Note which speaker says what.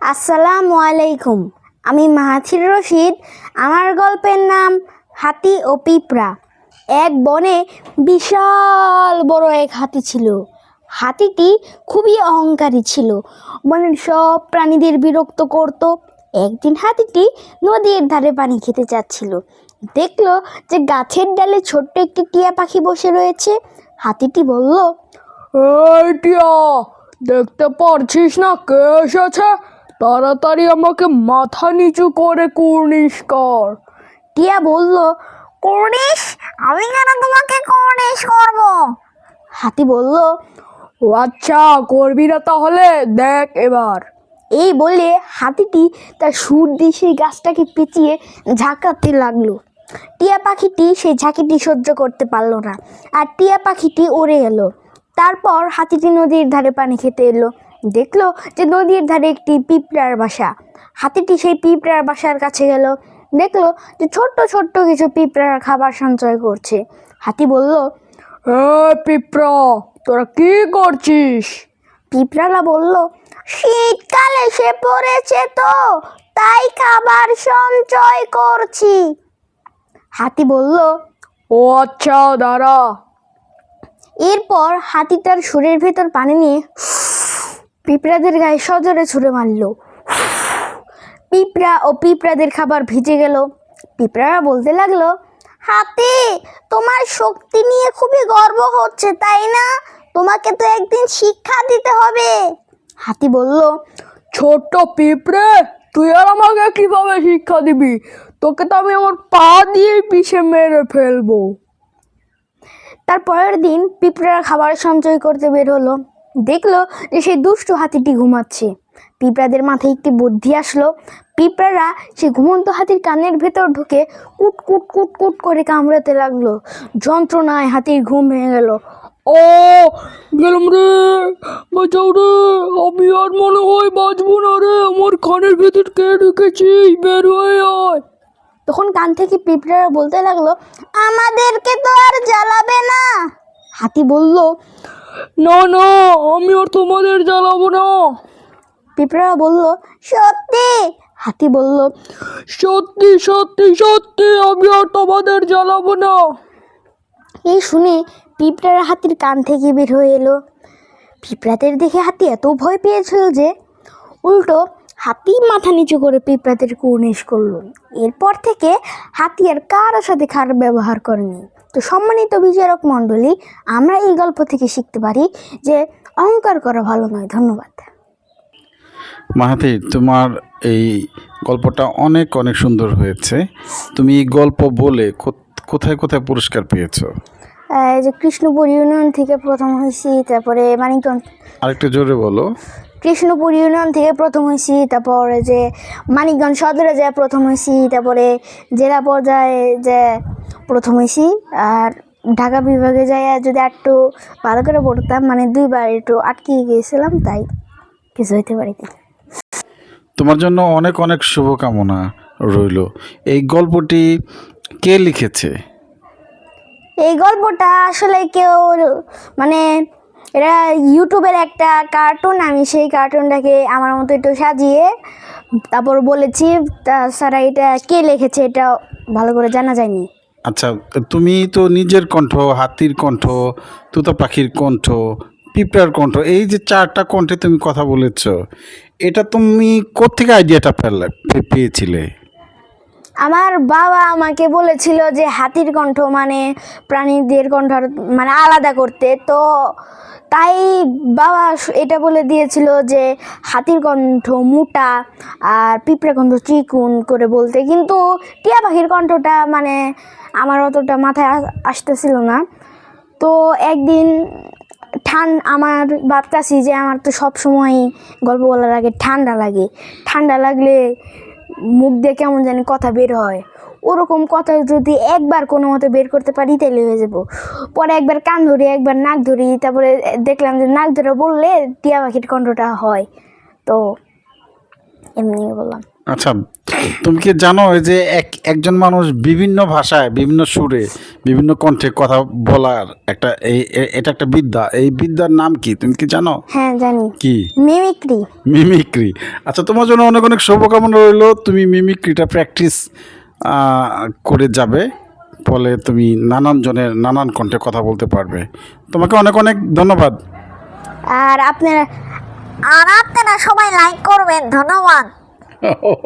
Speaker 1: আসসালামু আলাইকুম। আমি মাহাথির রশিদ। আমার গল্পের নাম হাতি ও পিঁপড়া। এক বনে বিশাল বড় এক হাতি ছিল। হাতিটি খুবই অহংকারী ছিল, বনের সব প্রাণীদের বিরক্ত করত। একদিন হাতিটি নদীর ধারে পানি খেতে চাচ্ছিল। দেখলো যে গাছের ডালে ছোট্ট একটি টিয়া পাখি বসে রয়েছে। হাতিটি বলল,
Speaker 2: এই টিয়া, দেখতে পারছিস না কে এসেছে? তাড়াতাড়ি আমাকে মাথা নিচু করে কুর্নিশ কর।
Speaker 1: টিয়া বলল, কুর্নিশ? আমি কেন তোমাকে কুর্নিশ করব? হাতি বলল,
Speaker 2: ও আচ্ছা, করবি না তাহলে দেখ এবার।
Speaker 1: এই বলে হাতিটি তার সুর দিয়ে সেই গাছটাকে পেঁচিয়ে ঝাঁকাতে লাগলো। টিয়া পাখিটি সেই ঝাঁকিটি সহ্য করতে পারলো না, আর টিয়া পাখিটি উড়ে এলো। তারপর হাতিটি নদীর ধারে পানি খেতে এলো। দেখলো যে নদীর ধারে একটি পিঁপড়ার বাসা। হাতিটি সেই পিঁপড়ার বাসার কাছে গেল। দেখলো যে ছোট্ট ছোট্ট কিছু পিঁপড়ার খাবার সঞ্চয় করছে। হাতি বলল,
Speaker 2: পিঁপড়া, তোরা কি করছিস?
Speaker 1: পিঁপড়ালা বলল, শীতকাল এসে পড়েছে তো, তাই খাবার সঞ্চয় করছি। হাতি বলল,
Speaker 2: ও আচ্ছা, দাঁড়া।
Speaker 1: এরপর হাতি তার সুরের ভেতর পানি নিয়ে পিঁপড়াদের গায়ে সজোরে ছুঁড়ে মারল। পিঁপড়া ও পিঁপড়াদের খাবার ভিজে গেল। পিঁপড়ারা বলতে লাগলো, হাতি, তোমার শক্তি নিয়ে খুবই গর্ব হচ্ছে, তাই না? তোমাকে তো একদিন শিক্ষা দিতে হবে। হাতি বলল,
Speaker 2: ছোট্ট পিঁপড়ে, তুই আর আমাকে কিভাবে শিক্ষা দিবি? তোকে তো আমি আমার পা দিয়ে পিষে মেরে ফেলবো।
Speaker 1: তার পরের দিন পিঁপড়ারা খাবার সঞ্চয় করতে বের হলো। দেখলো যে সেই দুষ্টু হাতিটি ঘুমাচ্ছে। পিঁপড়াদের মাথায় একটি বুদ্ধি আসলো। পিঁপড়ারা সেই ঘুমন্ত হাতির কানের ভেতর ঢুকে কুট কুট কুট কুট করে কামড়াতে লাগলো। যন্ত্রণায় হাতির ঘুম ভেঙে গেল।
Speaker 2: ও, গেলাম রে, বাঁচাও রে, আমি আর মনে হয় বাঁচবো না রে, আমার কানের ভেতর কে ঢুকেছিস, বের হয়ে আয়।
Speaker 1: তখন কান থেকে পিঁপড়ারা বলতে লাগলো, আমাদেরকে তো আর জ্বালাবে না। হাতি বলল,
Speaker 2: না না, আমি আর তোমাদের জ্বালাবো না।
Speaker 1: পিঁপড়ারা বলল, সত্যি? হাতি বলল,
Speaker 2: সত্যি সত্যি সত্যি, আমি আর তোমাদের জ্বালাবো না।
Speaker 1: এই শুনে পিঁপড়ারা হাতির কান থেকে বের হয়ে এলো। পিঁপড়াদের দেখে হাতি এত ভয় পেয়েছিল যে উল্টো হাতি মাথা নিচু করে পিঁপড়াদের কুর্নিশ করলো। এরপর থেকে হাতি আর কারোর সাথে খারাপ ব্যবহার করেনি। তো সম্মানিত বিচারক মণ্ডলী, আমরা এই গল্প থেকে শিখতে পারি যে অহংকার করা ভালো নয়। ধন্যবাদ।
Speaker 3: মাহাথির, তোমার এই গল্পটা অনেক অনেক সুন্দর হয়েছে। তুমি এই গল্প বলে কোথায় কোথায় পুরস্কার পেয়েছো?
Speaker 1: যে কৃষ্ণপুর ইউনিয়ন থেকে প্রথম হয়েছি, তারপরে মানিকগঞ্জ।
Speaker 3: আরেকটু জোরে বলো।
Speaker 1: কৃষ্ণপুর ইউনিয়ন থেকে প্রথম হয়েছি, তারপরে যে মানিকগঞ্জ সদরে যায় প্রথম হয়েছি, তারপরে জেলা পর্যায়ে যে প্রথম হয়েছি। আর ঢাকা বিভাগে যাই যদি একটু ভালো করে পড়তাম, মানে দুইবার একটু আটকে গিয়েছিলাম, তাই কিছু হইতে পারিনি।
Speaker 3: তোমার জন্য অনেক অনেক শুভকামনা রইল। এই গল্পটি কে লিখেছে?
Speaker 1: এই গল্পটা আসলে কেউ, মানে এটা ইউটিউবের একটা কার্টুন। আমি সেই কার্টুনটাকে আমার মতো একটু সাজিয়ে তারপর বলেছি। তাছাড়া এটা কে লিখেছে এটা ভালো করে জানা যায়নি।
Speaker 3: আচ্ছা, তুমি তো নিজের কণ্ঠ, হাতির কণ্ঠ, তুতা পাখির কণ্ঠ, পিঁপড়ার কণ্ঠ, এই যে চারটা কণ্ঠে তুমি কথা বলেছ, এটা তুমি কোত্থেকে আইডিয়াটা পেয়েছিলে?
Speaker 1: আমার বাবা আমাকে বলেছিল যে হাতির কণ্ঠ মানে প্রাণীদের কণ্ঠ মানে আলাদা করতে, তো তাই বাবা এটা বলে দিয়েছিল যে হাতির কণ্ঠ মোটা আর পিঁপড়া কণ্ঠ চিকুন করে বলতে। কিন্তু টিয়া পাখির কণ্ঠটা মানে আমার অতটা মাথায় আসতেছিল না। তো একদিন আমার ভাবতাছি যে আমার তো সব সময় গল্প বলার আগে ঠান্ডা লাগে। ঠান্ডা লাগলে মুখ দিয়ে কেমন জানি কথা বের হয়। ওরকম কথা যদি একবার কোনো মতো বের করতে পারি তাহলে হয়ে যাব। পরে একবার কান ধরি, একবার নাক ধরি, তারপরে দেখলাম যে নাক ধরে বললে টিয়া পাখির কণ্ঠটা হয়। তো এমনি বললাম।
Speaker 3: আচ্ছা, তুমি কি জানো যে একজন মানুষ বিভিন্ন ভাষায়, বিভিন্ন সুরে, বিভিন্ন কণ্ঠে কথা বলার একটা এটা একটা বিদ্যা। এই বিদ্যার নাম কি তুমি কি জানো?
Speaker 1: হ্যাঁ জানি,
Speaker 3: কি?
Speaker 1: মিমিক্রি।
Speaker 3: মিমিক্রি। আচ্ছা, তোমার জন্য অনেক অনেক শুভকামনা রইলো। তুমি মিমিক্রিটা প্র্যাকটিস করে যাবে, ফলে তুমি নানান জনের নানান কণ্ঠে কথা বলতে পারবে। তোমাকে অনেক অনেক ধন্যবাদ।
Speaker 1: আর আপনারা সবাই লাইক করবেন, ধন্যবাদ।